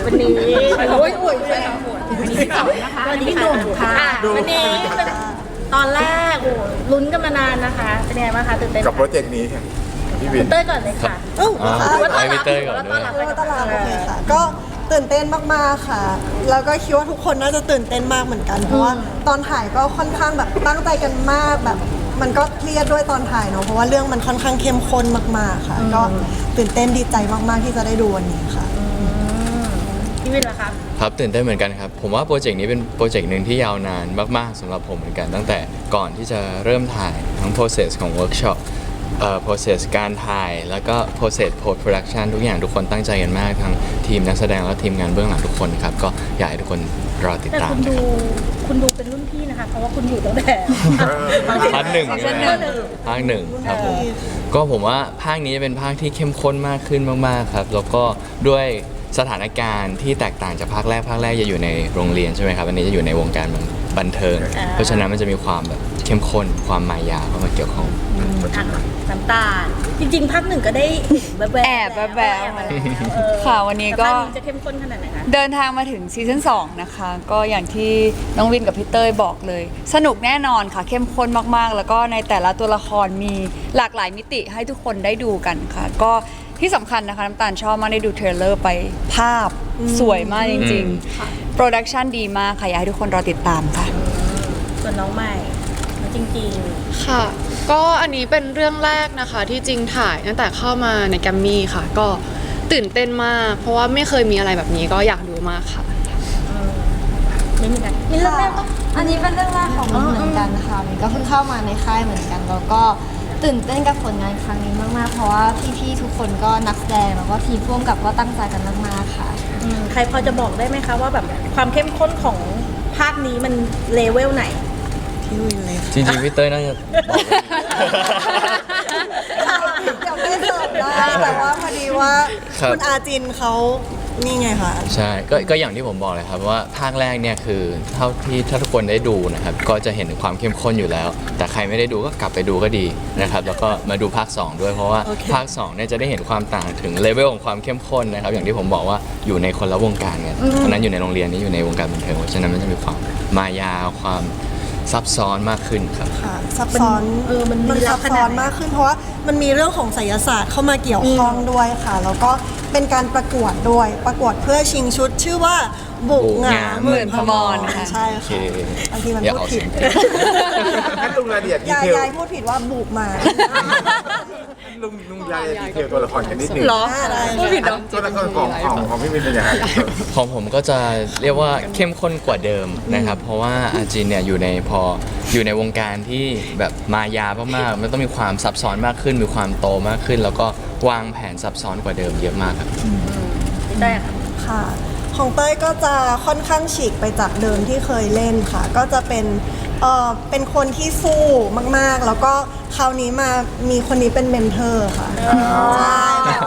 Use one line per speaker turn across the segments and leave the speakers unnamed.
วันนี้โอ้ยไปแล้ววันนี้สองนะคะวันนี้หนุ่มค่ะวันนี้ตอนแรกโอ้ลุ้นกันมานานนะคะเป็นยังไงบ้างคะตื่นเต้น
กับโปรเจกต์นี้ค่ะพี่วิน
เต้ยก่อนเลยค่ะ
ให้พี่เต้ยก่อนด้วย
ตลาดโอเคค่ะก็ตื่นเต้นมากๆค่ะ แล้วก็คิดว่าทุกคนน่าจะตื่นเต้นมากเหมือนกันเพราะว่าตอนถ่ายก็ค่อนข้างแบบตั้งใจกันมากแบบมันก็เครียดด้วยตอนถ่ายเนาะเพราะว่าเรื่องมันค่อนข้างเข้มข้นมากๆค่ะก็ตื่นเต้นดีใจมากๆที่จะได้ดูวันนี้ค่ะ
พี่วินล่ะครับ
ครับตื่นเต้นเหมือนกันครับผมว่าโปรเจกต์นี้เป็นโปรเจกต์หนึ่งที่ยาวนานมากๆสำหรับผมเหมือนกันตั้งแต่ก่อนที่จะเริ่มถ่ายทั้ง process ของ workshop process การถ่ายแล้วก็ process post production ทุกอย่างทุกคนตั้งใจกันมากทั้งทีมนักแสดงและทีมงานเบื้องหลังทุกคนครับก็อยากให้ทุกคนรอติด
แต่
ตาม
คุณดูเป็นรุ่นพี่นะคะเพราะว่าคุณอยู่ตั้งแต่
ภาคหนึ่งใช่ไหมภาคหนึ่งครับผมก็ผมว่าภาคนี้เป็นภาคที่เข้มข้นมากขึ้นมากๆครับแล้วก็ด้วยสถานการณ์ที่แตกต่างจากภาคแรกจะอยู่ในโรงเรียนใช่ไหมครับอันนี้จะอยู่ในวงการบันเทิงเพราะฉะนั้นมันจะมีความแบบเข้มข้นความมายาเข้ามาเกี่ยวข้อง
น้ำตาลจริงๆภาคหนึ่งก็ได้แอบ
ค่ะวันนี้ก็
จะเข้มข้นขนาดไหนคะ
เดินทางมาถึงซีซั่น2นะคะก็อย่างที่น้องวินกับพี่เต้ยบอกเลยสนุกแน่นอนค่ะเข้มข้นมากๆแล้วก็ในแต่ละตัวละครมีหลากหลายมิติให้ทุกคนได้ดูกันค่ะก็ที่สำคัญนะคะน้ำตาลชอบมากได้ดูเทรลเลอร์ไปภาพสวยมากจริงๆโปรดักชันดีมากค่ะอยากให้ทุกคนรอติดตามค่ะ
ส่วนน้องใหม่จริง
ๆค่ะก็อันนี้เป็นเรื่องแรกนะคะที่จริงถ่ายตั้งแต่เข้ามาในแกรมมี่ค่ะก็ตื่นเต้นมากเพราะว่าไม่เคยมีอะไรแบบนี้ก็อยากดูมากค่ะ
ไม่มีกันมีเรื่องแรกปะ
อันนี้เป็นเรื่องแรกของมินเหมือนกันค่ะมินก็เพิ่งเข้ามาในค่ายเหมือนกันแล้วก็ตื่นเต้นกับผลงานครั้งนี้มากๆเพราะว่าพี่ๆทุกคนก็นักแสดงแล้วก็ทีมร่วมกับก็ตั้งใจกันมากๆค่ะ
ใครพอจะบอกได้ไหมคะว่าแบบความเข้มข้นของภาคนี้มันเลเวลไหน
พี่วินเลย
จริงๆพี่เต้ยน่าจะ
เดี๋ยวไม่เสิร์ฟได้แต่ว่าพอดีว่าคุณอาจินเขานี่ไงค่ะ
ใช่ก็อย่างที่ผมบอกเลยครับว่าภาคแรกเนี่ยคือเท่าที่ถ้าทุกคนได้ดูนะครับก็จะเห็นความเข้มข้นอยู่แล้วแต่ใครไม่ได้ดูก็กลับไปดูก็ดีนะครับแล้วก็มาดูภาค2ด้วยเพราะว่าภาค2เนี่ยจะได้เห็นความต่างถึงเลเวลของความเข้มข้นนะครับอย่างที่ผมบอกว่าอยู่ในคนละวงการกันเพราะนั้นอยู่ในโรงเรียนนี้อยู่ในวงการบันเทิงเพราะฉะนั้นมันจะมีความมายาความซับซ้อนมากขึ้นครับ
ค่ะซับซ้อนมันซับซ้อนมากขึ้นเพราะว่ามันมีเรื่องของไสยศาสตร์เข้ามาเกี่ยวข้องด้วยค่ะแล้วก็เป็นการประกวดด้วยประกวดเพื่อชิงชุดชื่อว่าบุกงาหมื่นพมรค่ะใช่ค่ะบางทีมันพูดผิด
งั้นลุงรายละเอียดดีเทล
ยายพูดผิดว่าบุกมา
ลุงรายละเอียดดีเทลตัวละครกันนิดนึง
หรอพูดผิดเหรอ
ตัวละครของพี่วินเป็นยังไง
ของผมก็จะเรียกว่าเข้มข้นกว่าเดิมนะครับเพราะว่าอาจินเนี่ยอยู่ในวงการที่แบบมายามากๆมันต้องมีความซับซ้อนมากขึ้นมีความโตมากขึ้นแล้วก็วางแผนซับซ้อนกว่าเดิมเยอะมากครับ
ได้
ค่ะของเต้ยก็จะค่อนข้างฉีกไปจากเดิมที่เคยเล่นค่ะก็จะเป็นคนที่สู้มากๆแล้วก็คราวนี้มามีคนนี้เป็นเมนเทอร์ค่ะใช่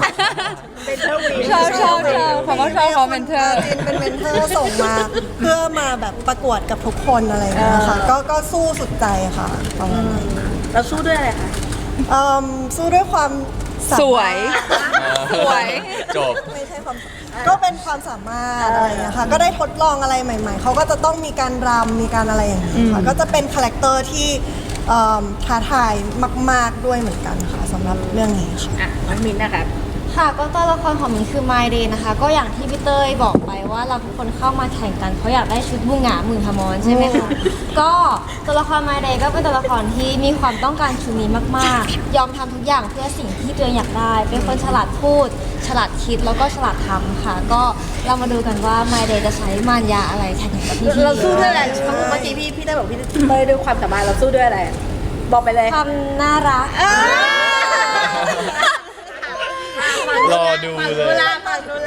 ชอบผมก็ชอบเขาเมนเทอร์
จินเป็นเมนเทอร์ส่งมาเพื่อมาแบบประกวดกับทุกคนอะไรอย่างเงี้ยค่ะก็สู้สุดใจค่ะประมาณนั้น
เราสู้ด้วยอะไรคะ
สู้ด้วยความ
สวย
จบ
ไม่ใช่ความก็เป็นความสามารถอะไรอย่างเงี้ยค่ะก็ได้ทดลองอะไรใหม่ๆเขาก็จะต้องมีการรำมีการอะไรอย่างเงี้ยค่ะก็จะเป็นคาแรคเตอร์ที่ท้าทายมากๆด้วยเหมือนกันค่ะสำหรับเรื่องนี้
ค่ะน้องมินนะคะ
ค่ะก็ตัวละครของมินคือไมเดย์นะคะก็อย่างที่พี่เต้ยบอกไปว่าเราทุกคนเข้ามาแข่งกันเขาอยากได้ชุดบุงหงาหมื่นพมรใช่ไหมคะก็ตัวละครไมเดย์ก็เป็นตัวละครที่มีความต้องการชุดนี้มากๆยอมทำทุกอย่างเพื่อสิ่งที่ตัวเองอยากได้เป็นคนฉลาดพูดฉลาดคิดแล้วก็ฉลาดทำค่ะก็เรามาดูกันว่าไมเดย์จะใช้มารยาอะไรแข่งกับพี่
เราสู้ด้วยอะไรเมื่อกี้พี่ได้บอกพี่เต้ยด้วยความสามารถเราสู้ด้วยอะไรบอกไปเลย
ความน่ารัก
รอดูเลย
ตัวละคร
ต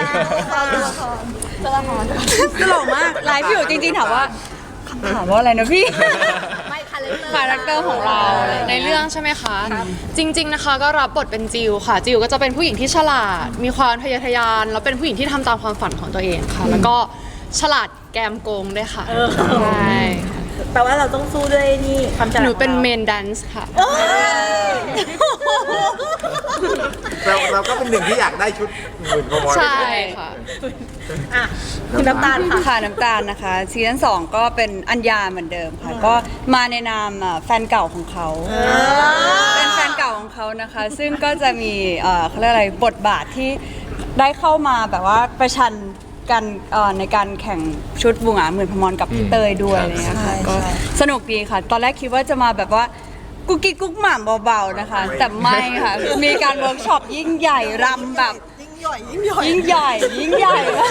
ลกมากไลฟ์อยู่จริงๆถามว่าอะไรนะพี่
ไม่คา
แรคเตอร์ของเราในเรื่องใช่ไหมคะจริงๆนะคะก็รับบทเป็นจิวค่ะจิวก็จะเป็นผู้หญิงที่ฉลาดมีความทะเยอทะยานแล้วเป็นผู้หญิงที่ทำตามความฝันของตัวเองค่ะแล้วก็ฉลาดแกมโกงด้วยค่ะใช่
แปลว่าเราต้องสู้ด้วยนี่ความฉลาด
หนูเป็นเมนแดนซ์ค่ะ
เราก็เป็นหนึ่งที่อยากได้ชุดหมื่นพมร
ใช่ค่ะ
อ่ะคุณน้ำตาลค่ะ
ค่ะน้ำตาลนะคะซีซั่น2ก็เป็นอัญญาเหมือนเดิมค่ะ ก็มาในนามแฟนเก่าของเขา เป็นแฟนเก่าของเขานะคะ ซึ่งก็จะมีเขาเรียกอะไรบทบาทที่ได้เข้ามาแบบว่าประชันกันในการแข่งชุดบุงหงาหมื่นพมรกับพี่เตยด้วย
ครับ
อะไรเงี้ยค่ะ
ใช่
ก็สนุกดีค่ะ ตอนแรกคิดว่าจะมาแบบว่ากุ๊กกิ๊กกุ๊กหม่ำเบาๆนะคะ แต่ไม่ค่ะ มีการเวิร์กช็อปยิ่งใหญ่รำแบบ
ยิ่งใหญ่ยิ่งใหญ่
ยิ่งใหญ่ยิ่งใหญ่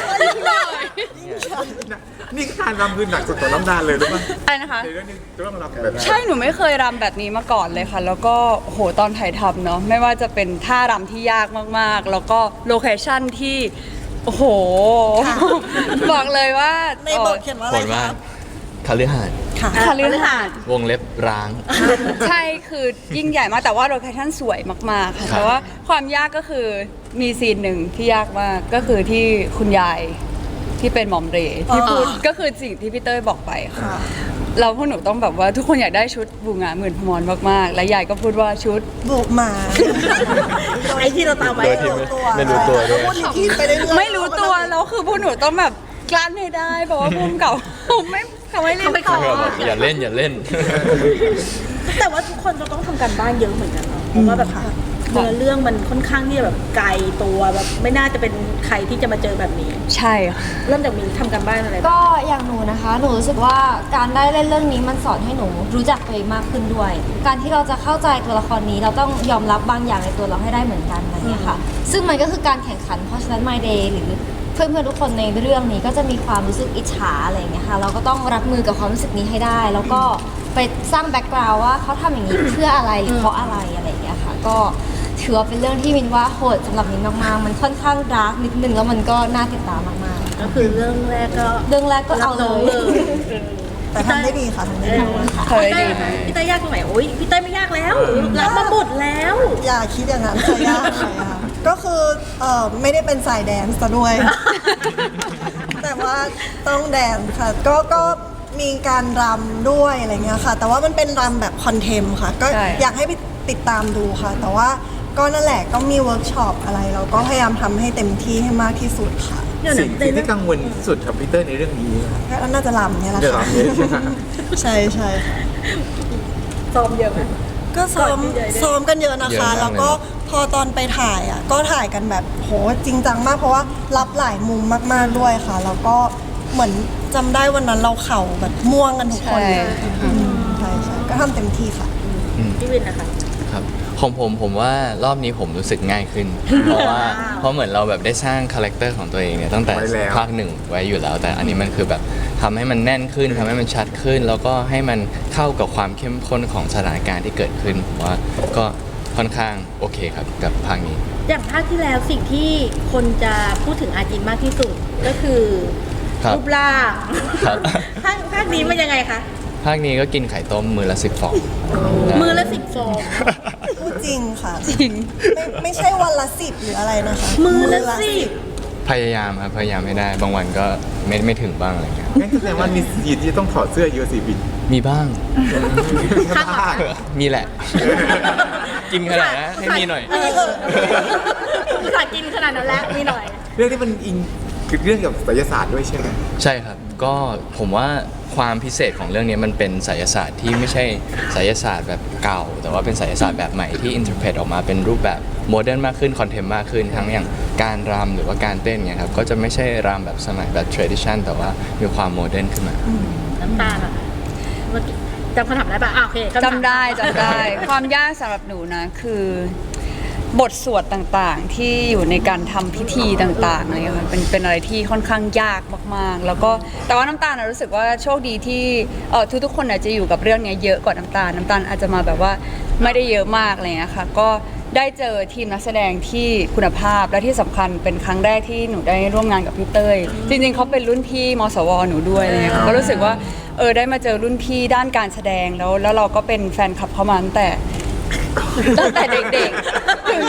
นี่คือการรำคือหนักสุดของน้ำตาลเลยหรือเปล่า
อะไรนะคะ
ในเรื่องนี้ต้องรำแบบ
ใช่ หนูไม่เคยรำแบบนี้มาก่อนเลยค่ะ แล้วก็โหตอนถ่ายทำเนาะไม่ว่าจะเป็นท่ารำที่ยากมากๆ แล้วก็โลเคชั่นที่ โอ้โห บอกเลยว่า
ในบทเขียนว่าอะ
ผ
ไร
ลว่า
คะ
คฤหาสน์
ค่ะ
คาลือหาด
วงเล็บร้าง
ใช่คือยิ่งใหญ่มากแต่ว่าโลเคชั่นสวยมาก ๆ ค่ะ
ครับ
แต่ว่าความยากก็คือมีซีนหนึ่งที่ยากมากก็คือที่คุณยายที่เป็นหมอมเรที่พูดก็คือสิ่งที่พี่เต้ยบอกไปค่ะเราพวกหนูต้องแบบว่าทุกคนอยากได้ชุดบูงาหมื่นพมรมากๆ และยายก็พูดว่าชุด
บุกมา
ไอ้ที่เราตามไว้
โดยที่ไม่รู้ตัวด้วย
พูดที่ไปเรื่อยๆ
ไม่รู้ตัวแล้วคือพวกหนูต้องแบบกลั้นให้ได้เพราะว่าภูมิเก่าไม่เขาไม่เล่นต่อ
อย่าเล่นอย่าเล่น
แต่ว่าทุกคนจะต้องทำการบ้านเยอะเหมือนกันเนาะเพราะว่าแบบเนื้อเรื่องมันค่อนข้างที่จะแบบไกลตัวแบบไม่น่าจะเป็นใครที่จะมาเจอแบบนี้
ใช่ค่ะ
เริ่มจากมีทำการบ้านอะไรบ้าง
ก็อย่างหนูนะคะ หนูรู้สึกว่าการได้เล่นเรื่องนี้มันสอนให้หนูรู้จักตัวเองมากขึ้นด้วย การที่เราจะเข้าใจตัวละครนี้เราต้องยอมรับบางอย่างในตัวเราให้ได้เหมือนกันอะไรอย่างเงี้ยค่ะ ซึ่งมันก็คือการแข่งขัน เพราะฉะนั้น My Day หรือเพื่อนๆทุกคนในเรื่องนี้ก็จะมีความรู้สึกอิจฉาอะไรอย่างเงี้ยค่ะ เราก็ต้องรับมือกับความรู้สึกนี้ให้ได้ แล้วก็ไปสร้างแบ็กกราวด์ว่าเขาทำอย่างนี้เพื่ออะไรหรือเพราะอะไรอะไรอย่างเงี้ยค่ะ ก็ถือว่าเป็นเรื่องที่มินว่าโหดสำหรับมินมากๆ มันค่อนข้างดาร์กนิดนึงแล้วมันก็น่าติดตามมากๆ
ก็คือเรื่องแรกก็
เรื่องแรกก็เอาเล
รับน้อง
ย
เลย
แต่ทำได้ดีค่ะทำได้ดี
เคยดี
พี่เต้ยยากตรงไหนโอ้ยพี่เต้ยไม่ยากแล้วรับมาหมดแล้ว
อย่าคิดอย่างนั้นค่ะยากค่ะก็คือไม่ได้เป็นสายแดนซ์ซะด้วย แต่ว่าต้องแดนซ์ค่ะก็มีการรำด้วยอะไรเงี้ยค่ะ แต่ว่ามันเป็นรำแบบคอนเทมค่ะ ก็
ใช่
อยากให้ไปติดตามดูค่ะ แต่ว่าก็นั่นแหละก็มีเวิร์กช็อปอะไรเราก็พยายามทำให้เต็มที่ให้มากที่สุดค่ะ
เดี๋ยว
สิ่ง
นะ
ที่กังวลที่สุดกับพีเตอร์ในเรื่องนี้นะครับ
ก็น่าจะรำเนี่ยแหละ
เดี๋ยว
ค่ะ
รำเนี่ยใช่ไหม
ใช่ใช่ค่ะ
ซ้อมเยอะไหม
ก็ซ้อม
ก่อนที่จะได้
ซ้อมกันเยอะนะ
เยอะ
คะ
มากเลย
แล้วก็พอตอนไปถ่ายอ่ะก็ถ่ายกันแบบโหจริงจังมากเพราะว่ารับหลายมุมมากๆด้วยค่ะ แล้วก็เหมือนจำได้วันนั้นเราเข่าแบบม่วงกันทุกคนเลย
ใช่
ใช่ใช่ก็ทำเต็มที่ค่ะ
พี่วินนะคะ
ครับของผมว่ารอบนี้ผมรู้สึกง่ายขึ้น เพราะเหมือนเราแบบได้สร้างคาแรคเตอร์ของตัวเองเนี่ยตั้งแต่
ไว้แล้ว
ภาคหนึ่งไว้อยู่แล้ว แต่อันนี้มันคือแบบทำให้มันแน่นขึ้นทำให้มันชัดขึ้น แล้วก็ให้มันเข้ากับความเข้มข้นของสถานการณ์ที่เกิดขึ้นผมว่าก็ค่อนข้างโอเคครับกับภาคนี้
อย่างภาคที่แล้วสิ่งที่คนจะพูดถึงอาจินมากที่สุดก็คือ
ครับ
รูปร่าง
ครับ
ภาคนี้มันยังไงคะ
ภาคนี้ก็กินไข่ต้มมือละ10 ฟอง
มือละ10 ฟอง
พูดจริงค่ะ
จริง
ไม่ใช่วันละ10หรืออะไรนะคะ
มือละ10
พยายามครับพยายามให้ได้ บางวันก็ไม่ถึงบ้างอะไรเงี้ย
งั้นแสดงว่ามีสีนที่ต้องถอดเสื้อเยอะสิบิน
มีบ้าง
ข้างหลัง
มีแหละ กินขนาดนั้นให้มีหน่อย
อุตส่าห์กินขนาดนั้นแล้วมีหน่อย
เรื่องที่มันอิงคือเรื่องเกี่ยวกับไสยศาสตร์ด้วยใช่ไหม
ใช่ครับ ก็ผมว่าความพิเศษของเรื่องนี้มันเป็นไสยศาสตร์ที่ไม่ใช่ไสยศาสตร์แบบเก่า แต่ว่าเป็นไสยศาสตร์แบบใหม่ที่อินเทอร์เพตออกมาเป็นรูปแบบโมเดิร์นมากขึ้นคอนเทมมากขึ้นทั้งอย่างการรำหรือว่าการเต้นเนี่ยครับก็จะไม่ใช่รำแบบสมัยแบบ tradition แต่ว่ามีความโมเดิร์นขึ้นมา
น้ำตาลอะเมื่อกี้จำคำถามได้ปะโอเคคำถาม
จำได้จำได้ ความยากสำหรับหนูนะคือบทสวดต่างๆ ที่อยู่ในการทำพิธีต่างๆอะไรอย่างเงี้ยค่ะเป็นอะไรที่ค่อนข้างยากมากๆ แล้วก็แต่ว่าน้ำตาลนะรู้สึกว่าโชคดีที่ทุกๆคนอาจจะอยู่กับเรื่องเนี้ยเยอะกว่าน้ำตาลอาจจะมาแบบว่าไม่ได้เยอะมากอะไรอย่างเงี้ยค่ะก็ได้เจอทีมนักแสดงที่คุณภาพและที่สำคัญเป็นครั้งแรกที่หนูได้ร่วมงานกับพี่เต้ยจริงๆเขาเป็นรุ่นพี่มสวหนูด้วยอะไรเงี้ยค่ะก็รู้สึกว่าได้มาเจอรุ่นพี่ด้านการแสดงแล้วเราก็เป็นแฟนคลับเขามาตั้งแต่เด็กๆ ถึงแม้ว่าตอนนี้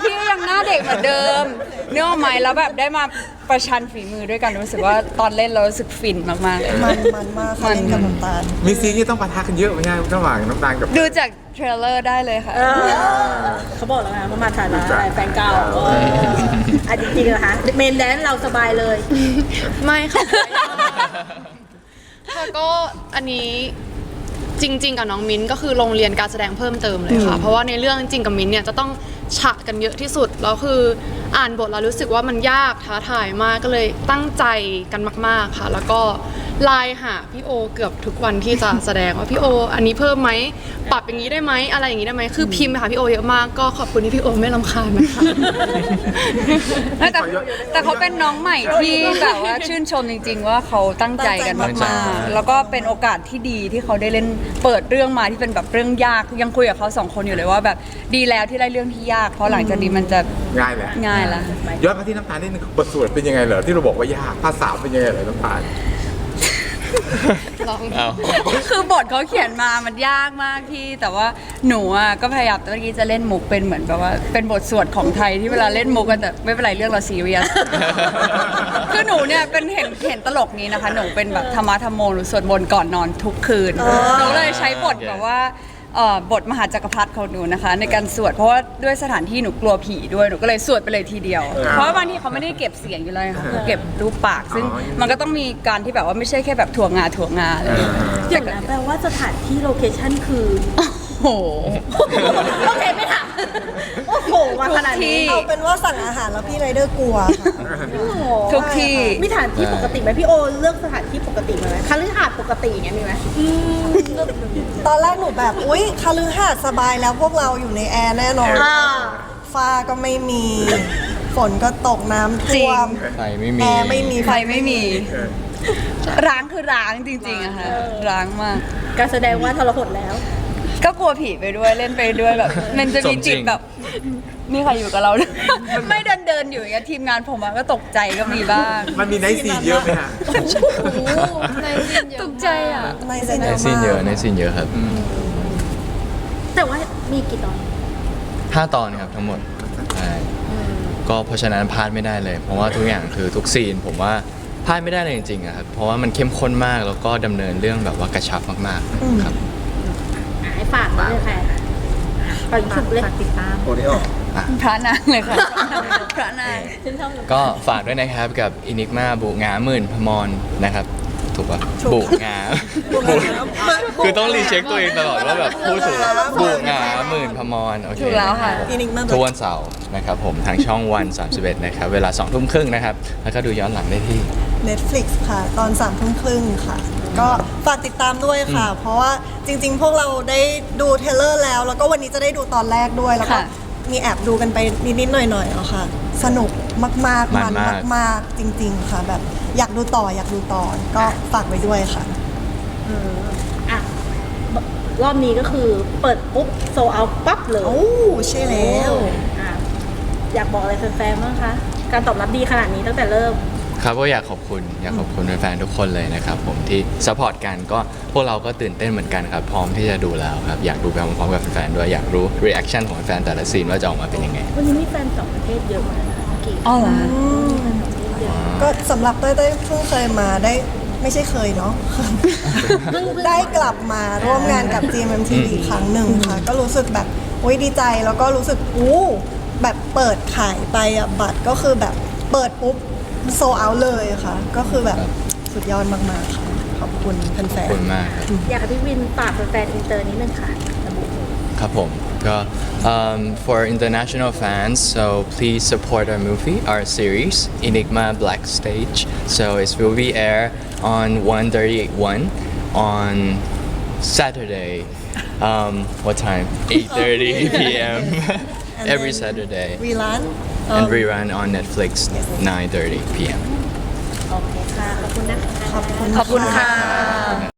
ที่ยังหน้าเด็กเหมือนเดิมเนื้อออกไหมแล้วแบบได้มาประชันฝีมือด้วยกันรู้สึกว่าตอนเล่นเรารู้สึกฟินมากๆเลย
มันมากค่ะเล่นกับน้ำตาล
มีซีนที่ต้องปะทะกันเยอะไหมฮะระหว่างน้ำตาลกับ
ดูจากเทรลเลอร์ได้เลยค่ะ
เขาบอกแล้วไงว่ามาฐานะอะไรแฟนเก่าอ่ะจริงๆนะคะเมนแดนเราสบายเลย
ไม่ค่ะ ค่ะก็อันนี้จริง ๆ กับน้องมิ้นก็คือโรงเรียนการแสดงเพิ่มเติมเลยค่ะ เพราะว่าในเรื่องจริงกับมิ้นเนี่ยจะต้องฉะกันเยอะที่สุดแล้วคืออ่านบทแล้วรู้สึกว่ามันยากท้าทายมากก็เลยตั้งใจกันมาก ๆค่ะ แล้วก็ไลน์หาพี่โอเกือบทุกวันที่จะแสดงว่าพี่โออันนี้เพิ่มไหมปรับอย่างนี้ได้ไหมอะไรอย่างนี้ได้ไหมคือพิมพ์ไปหาพี่โอเยอะมากก็ขอบคุณที่พี่โอไม่รำคาญนะคะ
ไม่แต่เขาเป็นน้องใหม่ที่แบบว่าชื่นชมจริง ๆ ว่าเขาตั้งใจกัน
ตั้งใจ
มากๆแล้วก็เป็นโอกาสที่ดีที่เขาได้เล่นเปิดเรื่องมาที่เป็นแบบเรื่องยากยังคุยกับเขาสองคนอยู่เลยว่าแบบดีแล้วที่ได้เรื่องที่ยากเพราะหลังจากนี้มันจะ
ง่ายแหละ
ง่ายละ
ย้อนมาที่น้ำตาลนิดนึงบทสวดเป็นยังไงเหรอที่เราบอกว่ายากภาษาเป็นยังไงเหรอน้ำตาล
เอา
คือบทเขาเขียนมามันยากมากพี่แต่ว่าหนูอ่ะก็พยายามเมื่อกี้จะเล่นมุกเป็นเหมือนแบบว่าเป็นบทสวดของไทยที่เวลาเล่นมุกกันแต่ไม่เป็นไรเรื่องเราซีเรียส คือหนูเนี่ยเป็นเห็นตลกนี้นะคะ หนูเป็นแบบธรรมะธรรมโมหนูสวดมนต์ก่อนนอนทุกคืนหนูเลยใช้บทแบบว่าบทมหาจักรพรรดิของหนูนะคะ ในการสวดเพราะว่าด้วยสถานที่หนูกลัวผีด้วยหนูก็เลยสวดไปเลยทีเดียว เพราะว่าบางทีเขาไม่ได้เก็บเสียงอยู่เลยค่ะเก็บรูปปาก ซึ่งมันก็ต้องมีการที่แบบว่าไม่ใช่แค่แบบถั่วงาอะไรอย่างเงี้ย
เดี๋ยวนะแปลว่าสถานที่โลเคชั่นคือ
โอ้โห
โอเคไม่ถามโอ้โหมาขนาดนี้
เอาเป็นว่าสั่งอาหารแล้วพี่ไรเดอร์กลัวค่ะ
โอ้โห
ทุกที่
มีสถานที่ปกติไหมพี่โอเลือกสถานที่ปกติไหมคฤหาสน์ปกติอย่างเงี้ยมีไหม
ตอนแรกหนูแบบอุ๊ยคฤหาสน์สบายแล้วพวกเราอยู่ในแอร์แน่นอน ฟ้าก็ไม่มี ฝนก็ตกน้ำท่วม
ไฟไม่มี
แอร์ไม่มี
ไฟไม่มี ร้างคือร้างจริงๆอะค่ะร้างมาก
การแสดงว่าทรหดแล้ว
ก็กลัวผีไปด้วยเล่นไปด้วยแบบ มันจะมีจิตแบบมีใครอยู่กับเรา ไม่เดินอยู่อย่างเงี้ยทีมงานผมอะก็ตกใจก็มีบ้าง
มันมีไนท์ซีนเยอะไหมฮะ
ในซีนเยอะ
ตกใจอะ
ใน
ในซีนเยอะในซีนเยอะครับ
แต่ว่ามีกี่ตอน
5 ตอนครับทั้งหมดใช่ก็เพราะฉะนั้นพลาดไม่ได้เลย เพราะว่าทุกอย่างคือทุกซีนผมว่าพลาดไม่ได้เลยจริงๆอะครับเพราะว่ามันเข้มข้นมากแล้วก็ดำเนินเรื่องแบบว่ากระชับมากๆครับ
ให้ฝากไว้เลยค่ะฝากสุดเลยติดตาม
โอริโอ
พระนางเลยค่ะ พระนาง
ก็ฝากด้วยนะครับกับอินิกมาบุงาหมื่นพมรนะครับ ถูกป่ะบุงาคือต้องรีเช็คตัวเองตลอดว่าแบบพูดถูกบุงาหมื่นพมรโอเค
ถูกแล้วค่ะ
อินิกมา
ทุกวันเสาร์นะครับผมทางช่องวัน31นะครับเวลา 20:30 นะครับแล้วก็ดูย้อนหลังได้ที่
Netflix ค่ะ ตอน3:30ค่ะ ก็ฝากติดตามด้วยค่ะ เพราะว่าจริงๆ พวกเราได้ดูเทรลเลอร์แล้ว แล้วก็วันนี้จะได้ดูตอนแรกด้วย แล้วก็
ค่ะ
มีแอบดูกันไปนิดๆหน่อยๆแล้วค่ะ สนุกมากๆ
มั
มัน น
มาก
มากๆ จริง ๆ ค่ะ แบบอยากดูต่อก็ฝากไว้ด้วยค่ะ
อ่ะรอบนี้ก็คือเปิดปุ๊บโซเอาปั๊บเลย
โอ้ใช่แล้ว
อ่ะอยากบอกอะไรแฟนๆบ้างคะ การตอบรับดีขนาดนี้ตั้งแต่เริ่ม
ครับก็อยากขอบคุณแฟนๆทุกคนเลยนะครับผมที่ซัพพอร์ตกันก็พวกเราก็ตื่นเต้นเหมือนกันครับพร้อมที่จะดูแล้วครับอยากดูไปพร้อมๆกับแฟนๆด้วยอยากรู้รีแอคชั่นของแฟนแต่ละซีนว่าจะออกมาเป็นยังไง
วันนี้มีแฟนต่างประเทศเยอะมากนะเมื่อกี้
อ๋อเหรอ
ก็สำหรับเต้ยเพิ่งเคยมาได้ไม่ใช่เคยเนาะ ได้กลับมาร่วมงานกับ GMMTV อีกครั้งหนึ่งค่ะ ก็รู้สึกแบบโอ้ยดีใจแล้วก็รู้สึกแบบเปิดขายไปอ่ะบัตรก็คือแบบเปิดปุ๊บโซเอาเลยค่ะ ก็คือแบบสุดยอดมากๆค่ะ ขอบคุณแฟ
ขอบ
น
คุณมากครับ
อยากให้พี่วินฝากแฟนๆอินเตอร์นิดนึงค่ะระบุ
ครับผมก็ for international fans so please support our movie our series Enigma Black Stage so it will be air on 1:31 on Saturday what time 8:30 p.m. every Saturday
ๆรีลัน
and rerun on Netflix 9:30 p.m.
โอเคค่ะ ขอบคุณนะคะ
ขอบคุณ
ขอบคุณค่ะ